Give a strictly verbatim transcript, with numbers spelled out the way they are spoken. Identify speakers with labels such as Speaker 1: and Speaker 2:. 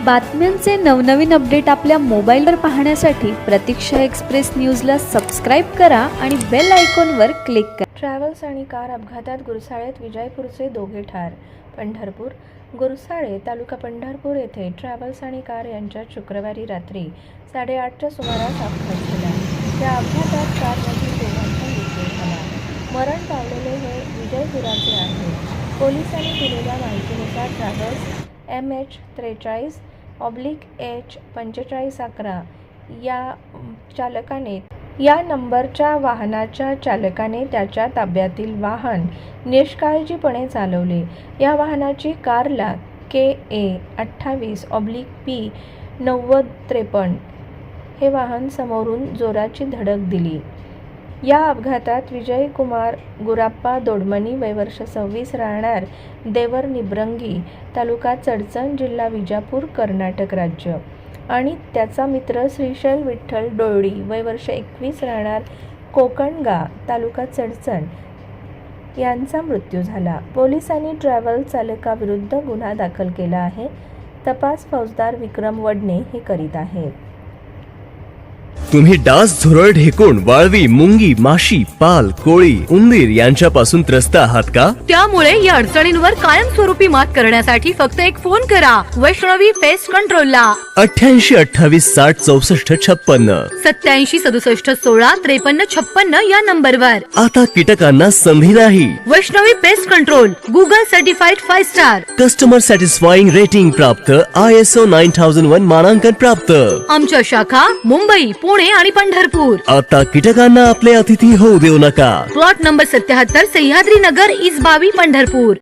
Speaker 1: बातम्यांचे नवनवीन अपडेट आपल्या मोबाईलवर पाहण्यासाठी प्रतीक्षा एक्सप्रेस न्यूजला सबस्क्राईब करा आणि बेल आयकॉनवर क्लिक करा.
Speaker 2: ट्रॅव्हल्स आणि कार अपघातात गुरसाळेत विजयपूरचे दोघे ठार. पंढरपूर गुरसाळे तालुका पंढरपूर येथे ट्रॅव्हल्स आणि कार यांच्यात शुक्रवारी रात्री साडेआठच्या सुमारास अपघात झाला. या अपघातात कारमधील दोघांचा मृत्यू झाला. मरण पावलेले हे विजयपुराचे आहे. पोलिसांनी दिलेल्या माहितीनुसार ट्रॅव्हल्स एम एच त्रेचाळीस ऑब्लिक एच पंचेचाळीस अकरा या चालकाने या नंबरच्या वाहनाच्या चालकाने त्याच्या ताब्यातील वाहन निष्काळजीपणे चालवले. या वाहनाची कारला के ए अठ्ठावीस ऑब्लिक पी नव्वद त्रेपन्न हे वाहन समोरून जोराची धडक दिली. या अपघातात विजयकुमार गुराप्पा दोडमणी वय वर्ष सव्वीस राहणार देवर निब्रंगी तालुका चडचण जिल्हा विजापूर कर्नाटक राज्य आणि त्याचा मित्र श्रीशैल विठ्ठल डोळी वय वर्ष एकवीस राहणार कोकणगा तालुका चडचण यांचा मृत्यू झाला. पोलिसांनी ट्रॅव्हल चालकाविरुद्ध गुन्हा दाखल केला आहे. तपास फौजदार विक्रम वडणे हे करीत आहेत.
Speaker 3: तुम्ही डास, झुरळ, ढेकुण, वाळवी, मुंगी, माशी, पाल, कोळी, उंदीर यांच्यापासून त्रस्त आहात का?
Speaker 4: त्यामुळे या अडचणींवर कायमस्वरूपी मात करण्यासाठी फक्त एक फोन करा वैष्णवी पेस्ट कंट्रोलला.
Speaker 3: अठ्ठ्याऐंशी अठ्ठावीस साठ चौसष्ट छप्पन्न
Speaker 4: सत्याऐंशी सदुसष्ट सोळा त्रेपन्न छप्पन्न या नंबरवर.
Speaker 3: आता कीटकांना संधी नाही.
Speaker 4: Vaishnavi pest control Google certified five star.
Speaker 3: Customer satisfying rating प्राप्त, I S O nine thousand one मानांकन प्राप्त.
Speaker 4: आमच्या शाखा मुंबई, पुणे आणि पंढरपूर.
Speaker 3: आता कीटकांना आपले अतिथी होऊ देऊ नका.
Speaker 4: प्लॉट नंबर सत्याहत्तर सह्याद्री नगर इस बावी पंढरपूर.